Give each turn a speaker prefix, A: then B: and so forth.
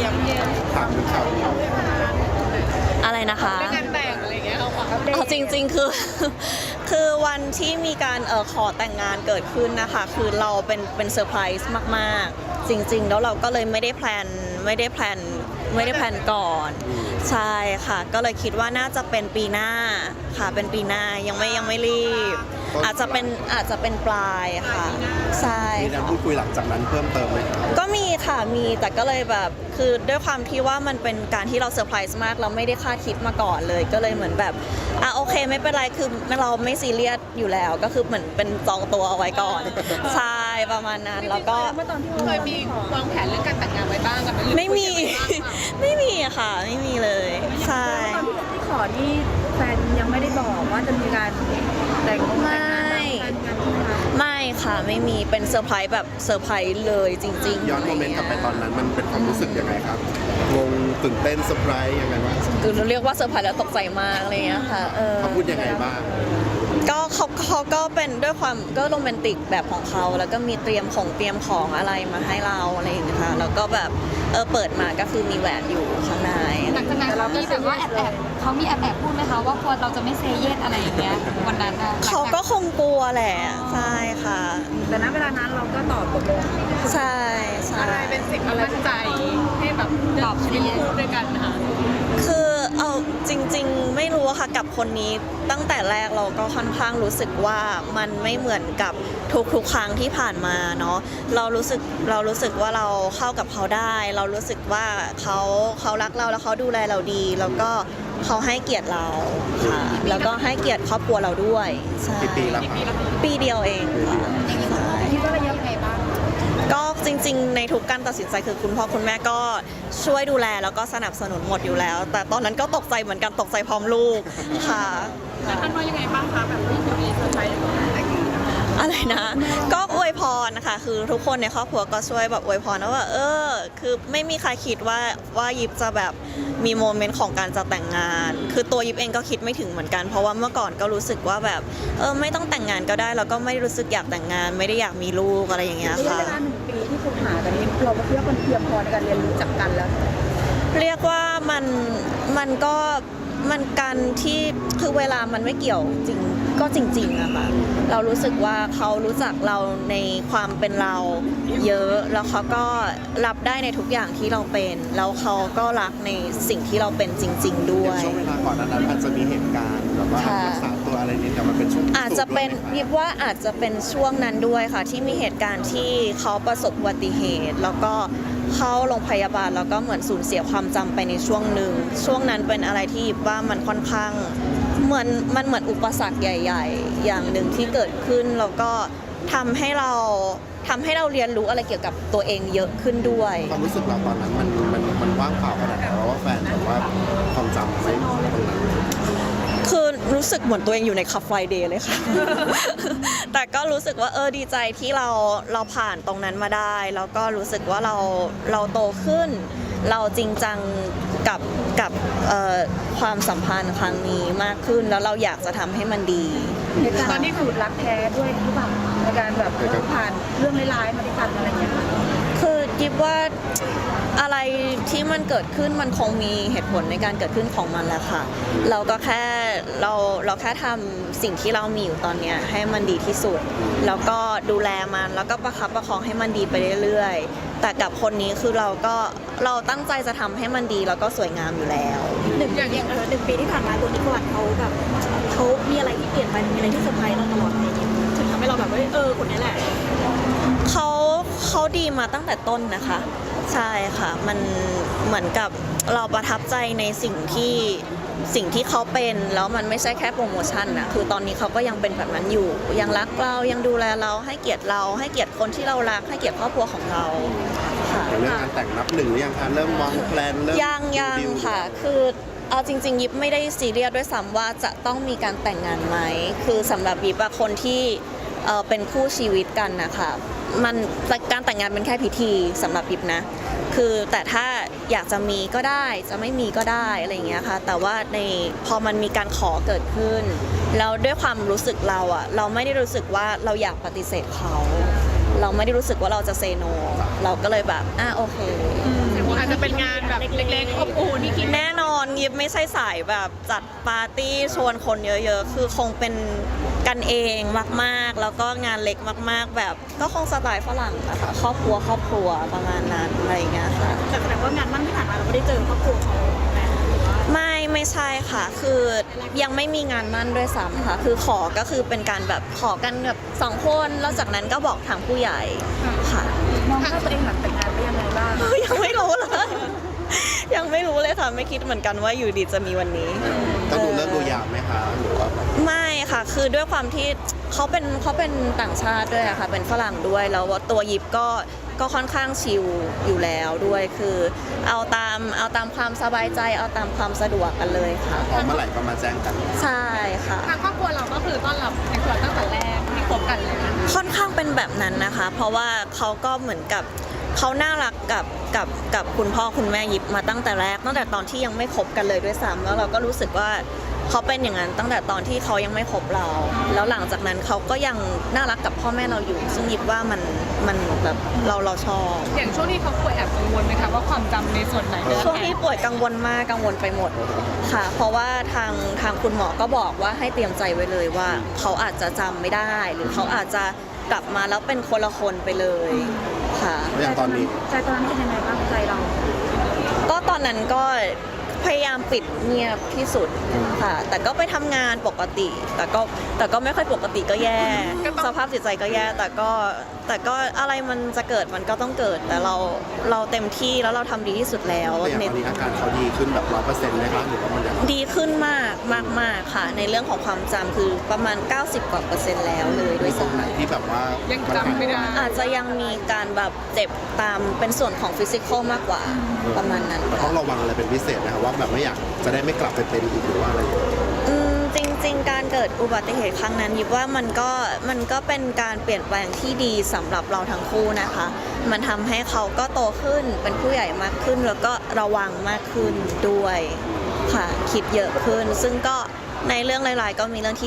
A: ยังถามถึงข่าวนี้
B: อะไรนะคะ
C: เรื่องงานแต่งอะไรเงี้ยเขาขอ
B: เอาจริงๆคือ คือวันที่มีการขอแต่งงานเกิดขึ้นนะคะคือเราเป็นเซอร์ไพรส์มากๆจริงๆแล้วเราก็เลยไม่ได้แพลนก่อนใช่ค่ะก็เลยคิดว่าน่าจะเป็นปีหน้าค่ะเป็นปีหน้ายังไม่รีบอาจจะเป็นปลายค่ะใช่
A: มีการพูดคุยหลังจากนั้นเพิ่มเติมไหมครับ
B: ก็มีค่ะมีแต่ก็เลยแบบคือด้วยความที่ว่ามันเป็นการที่เราเซอร์ไพรส์มากเราไม่ได้คาดคิดมาก่อนเลยก็เลยเหมือนแบบโอเคไม่เป็นไรคือเราไม่ซีเรียสอยู่แล้วก็คือเหมือนเป็นจองตัวเอาไว้ก่อนใช่ประมาณนั้นแล้วก็
C: เคยมีวางแผนเรื่องการแต่งงานไว้บ้างกับน
B: ไม่มีไม่มีค่ะไม่มีเลยใช่
D: ตอนที่ขอนี่แฟนยังไม่ได้บอกว่าจะมีการแต่งงาน
B: ไม่ค่ะไม่มีเป็นเซอร์ไพรส์แบบเซอร์ไพรส์เลยจริงๆ
A: ย้อนโมเมนต์กลับไปตอนนั้นมันเป็นความรู้สึกยังไงครับงงตื่นเต้นเซอร์ไพรส์ยังไงบ้าง
B: คือเรียกว่าเซอร์ไพรส์แล้วตกใจมากอะไรเงี้ยค่ะ
A: เขาพูดยังไงบ้าง
B: ก็เขาก็เป็นด้วยความก็โรแมนติกแบบของเขาแล้วก็มีเตรียมของอะไรมาให้เราอะไรอย่างเงี้ยค่ะแล้วก็แบบเปิดมาก็คือมีแหวนอยู่ข้างใน
C: หลังจากนั้นเขามีแบบว่าเขามีแอบพูดไหมคะว่ากลัวเราจะไม่เซเยสอะไรอย่างเงี้ยวันนั้น
B: เขาก็คงกลัวแหละใช่ค่ะ
D: แต่ณเวลานั้นเราก็ตอบตกลง
B: ใช่
C: อะไรเป็นสิ่งที่มั่นใจให้แบบตอบชีวิตคู่ด้วยกันนะคะ
B: คือเอาจริงๆไม่รู้ค่ะกับคนนี้ตั้งแต่แรกเราก็ค่อนข้างรู้สึกว่ามันไม่เหมือนกับทุกครั้งที่ผ่านมาเนาะเรารู้สึกว่าเราเข้ากับเขาได้เรารู้สึกว่าเขารักเราแล้วเขาดูแลเราดีแล้วก็เขาให้เกียรติเราค่ะแล้วก็ให้เกียรติครอบครัวเราด้วยใช่
A: ปีละ
B: ปีเดียวเองค่ะ
D: คิดว่าระยะไงบ้าง
B: ก็จริงๆในทุกการตัดสินใจคือคุณพ่อคุณแม่ก็ช่วยดูแลแล้วก็สนับสนุนหมดอยู่แล้ว แต่ตอนนั้นก็ตกใจเหมือนกันตกใจพร้อมลูกค่ะ
C: แล้วท่านว่ายังไงบ้างคะแบบที่จะมีเซอร์ไพรส์
B: อะไรนะก็อวยพรนะคะคือทุกคนในครอบครัวก็ช่วยแบบอวยพรนะว่าคือไม่มีใครคิดว่ายิปจะแบบมีโมเมนต์ของการจะแต่งงานคือตัวยิปเองก็คิดไม่ถึงเหมือนกันเพราะว่าเมื่อก่อนก็รู้สึกว่าแบบไม่ต้องแต่งงานก็ได้แล้วก็ไม่รู้สึกอยากแต่งงานไม่ได้อยากมีลูกอะไรอย่างเงี้ยค่ะ
D: เวลา1 ปีที่คบหากันนี้เราคิดว่ามันเพียงพอในการเรียนรู้จักกันแล้ว
B: เรียกว่ามันก็มันการที่คือเวลามันไม่เกี่ยวจริงก็จริงๆอะค่ะเรารู้สึกว่าเขารู้จักเราในความเป็นเราเยอะแล้วเขาก็รับได้ในทุกอย่างที่เราเป็นแล้วเขาก็รักในสิ่งที่เราเป็นจริงๆด้วย
A: ช่วงเวลาก่อนนั้นอาจจะมีเหตุการณ์แบบว่ารักษาตัวอะไรนิดแต่มันเป็นช่วง
B: อาจจะเป็นยิบว่าอาจจะเป็นช่วงนั้นด้วยค่ะที่มีเหตุการณ์ที่เขาประสบอุบัติเหตุแล้วก็เข้าโรงพยาบาลแล้วก็เหมือนสูญเสียความจำไปในช่วงหนึ่งช่วงนั้นเป็นอะไรที่ยิบว่ามันค่อนข้างเหมือนอุปสรรคใหญ่ๆอย่างหนึ่งที่เกิดขึ้นแล้วก็ทำให้เราเรียนรู้อะไรเกี่ยวกับตัวเองเยอะขึ้นด้วย
A: ความรู้สึกเราตอนนั้นมันว่างเปล่าขนาดไหนเพราะว่าแฟนแบบว่าความจำไม่ตรงนั้น
B: คือรู้สึกเหมือนตัวเองอยู่ในคัฟไฟเดย์เลยค่ะ แต่ก็รู้สึกว่าดีใจที่เราผ่านตรงนั้นมาได้แล้วก็รู้สึกว่าเราโตขึ้นเราจริงจังกับความสัมพันธ์ครั้งนี้มากขึ้นแล้วเราอยากจะทำให้มันดี
D: ตอนนี้คือรักแท้ด้วยหรือเปล่าในการแบบผ่านเรื่องร้ายๆมาด้วยกันอะไรอย่างเงี้ย
B: คือคิดว่าอะไรที่มันเกิดขึ้นมันคงมีเหตุผลในการเกิดขึ้นของมันแหละค่ะเราก็แค่เราแค่ทำสิ่งที่เรามีอยู่ตอนนี้ให้มันดีที่สุดแล้วก็ดูแลมันแล้วก็ประคับประคองให้มันดีไปเรื่อยๆแต่กับคนนี้คือเราตั้งใจจะทำให้มันดีแล้วก็สวยงามอยู่แล้ว
D: อย่าง1 ปีที่ผ่านมาตัวนิโคลัสเขาแบบเขามีอะไรที่เปลี่ยนไปมีอะไรที่เซอร์ไพรส์เราตลอดเลยถึงทำให้เราแบบว่าคนนี้แหละ
B: เขาดีมาตั้งแต่ต้นนะคะใช่ค่ะมันเหมือนกับเราประทับใจในสิ่งที่เขาเป็นแล้วมันไม่ใช่แค่โปรโมชั่นนะคือตอนนี้เขาก็ยังเป็นแบบนั้นอยู่ยังรักเรายังดูแลเราให้เกียรติเราให้เกียรติคนที่เรารักให้เกียรติครอบครัวของเรา
A: ค่ะเรื่องการแต่งนับ 1หรือยังคะเริ่มวางแผนเริ่ม
B: ยังค่ะคือเอาจริงๆยิบไม่ได้ซีเรียสด้วยซ้ำว่าจะต้องมีการแต่งงานไหมคือสำหรับยิบคนที่เป็นคู่ชีวิตกันนะคะมันการแต่งงานเป็นแค่พิธีสำหรับยิบนะคือแต่ถ้าอยากจะมีก็ได้จะไม่มีก็ได้อะไรอย่างเงี้ยค่ะแต่ว่าพอมันมีการขอเกิดขึ้นแล้วด้วยความรู้สึกเราไม่ได้รู้สึกว่าเราอยากปฏิเสธเขาเราไม่ได้รู้สึกว่าเราจะเซโนเราก็เลยแบบโอเค
E: อาจจะเป็นงานแบบเล็กๆอบอุ่นที่คิด
B: แน่นอนยิบไม่ใช่สายแบบจัดปาร์ตี้ชวนคนเยอะๆ คือคงเป็นกันเองมากๆ แล้วก็งานเล็กมากๆ แบบก็คงสไตล์ฝรั่งอะค่ะครอบครัวประมาณนั้นอะไรอย่างเงี้ยค่ะ
D: แต่แสดงว่างานมั่นที่ผ่านมาเราไม่ได้เจอครอบครัวเขาไหมหรือว่า
B: ไม่ใช่ค่ะ คือยังไม่มีงานมั่นด้วยซ้ำค่ะ คือขอก็คือเป็นการแบบขอกันแบบ2 คนแล้วจากนั้นก็บอกทางผู้ใหญ่ค่ะ
D: มองภาพตัวเองหลังแต่งงานไปยังไงบ้าง
B: ยังไม่รู้เลย ยังไม่รู้เลยค่ะไม่คิดเหมือนกันว่าอยู่ดีจะมีวันนี้
A: ต้องดูเลิกดูยามไหมคะหรือว่า
B: ไม่ค่ะ คือด้วยความที่เขาเป็นต่างชาติด้วยอะค่ะ เป็นฝรั่งด้วย แล้วตัวยิปก็ค่อนข้างชิลอยู่แล้วด้วย คือเอาตามความสบายใจ เอาตามความสะดวกกันเลยค่ะ
A: พอเมื่อไหร่ก็มาแจ้งกัน
B: ใช่ค่ะ
E: ทางครอบครัวเราก็คือต้อนรับในครัวตั้งแต่แรกที่คบกันเลยนะ
B: ค่อนข้างเป็นแบบนั้นนะคะ เพราะว่าเขาก็เหมือนกับเขาน่ารักกับคุณพ่อคุณแม่ยิปมาตั้งแต่แรกตั้งแต่ตอนที่ยังไม่คบกันเลยด้วยซ้ำแล้วเราก็รู้สึกว่าเขาเป็นอย่างนั้นตั้งแต่ตอนที่เขายังไม่คบเรา แล้วหลังจากนั้นเขาก็ยังน่ารักกับพ่อแม่เราอยู่ ซึ่งยิปว่ามันแบบเราชอบ
E: อย่างช่วงที่เขาป่วยแอบกังวลไหมคะว่าความจำในส่วนไหน
B: ช่วงที่ป่วยกังวลมากกังวลไปหมดค่ะ เพราะว่าทางคุณหมอก็บอกว่าให้เตรียมใจไว้เลยว่าเขาอาจจะจำไม่ได้ หรือเขาอาจจะกลับมาแล้วเป็นคนละคนไปเลยค่ะ
A: อย่างตอนนี้
D: ใจตอนนั้นเป็นยังไงบ้างใจเรา
B: ก็ตอนนั้นก็พยายามปิดเงียบที่สุดค่ะ แต่ก็ไปทำงานปกติ แต่ก็ไม่ค่อยปกติก็แย่ สภาพจิตใจก็แย่ แต่ก็อะไรมันจะเกิดมันก็ต้องเกิด แต่เราเต็มที่แล้วเราทำดีที่สุดแล้ว
A: แต่อย่างตอนนี้อาการเขาดีขึ้นแบบ100%ไหมคะหรือว่ามันยัง
B: ดีขึ้นมากค่ะ ในเรื่องของความจำคือประมาณ 90 กว่า%แล้วเลยด้วย
A: ตรงไหน
B: ซ้ำ
A: ที่แบบว่า
E: ยั
A: ยัง
E: จำไม่ได้
B: อาจจะยังมีการแบบเจ็บตามเป็นส่วนของฟิสิกอลมากกว่าประมาณนั้น
A: แต่ต้องระวังอะไรเป็นพิเศษนะครับว่าแบบไม่อยากจะได้ไม่กลับไปเป็นอีกหรือว่าอะไรอย่างเงี้ย
B: จริงๆ การเกิดอุบัติเหตุครั้งนั้นยิบว่ามันก็เป็นการเปลี่ยนแปลงที่ดีสำหรับเราทั้งคู่นะคะ มันทำให้เขาก็โตขึ้นเป็นผู้ใหญ่มากขึ้น แล้วก็ระวังมากขึ้นด้วยค่ะคิดเยอะขึ้น ซึ่งก็ในเรื่องหลายๆก็มีเรื่องที่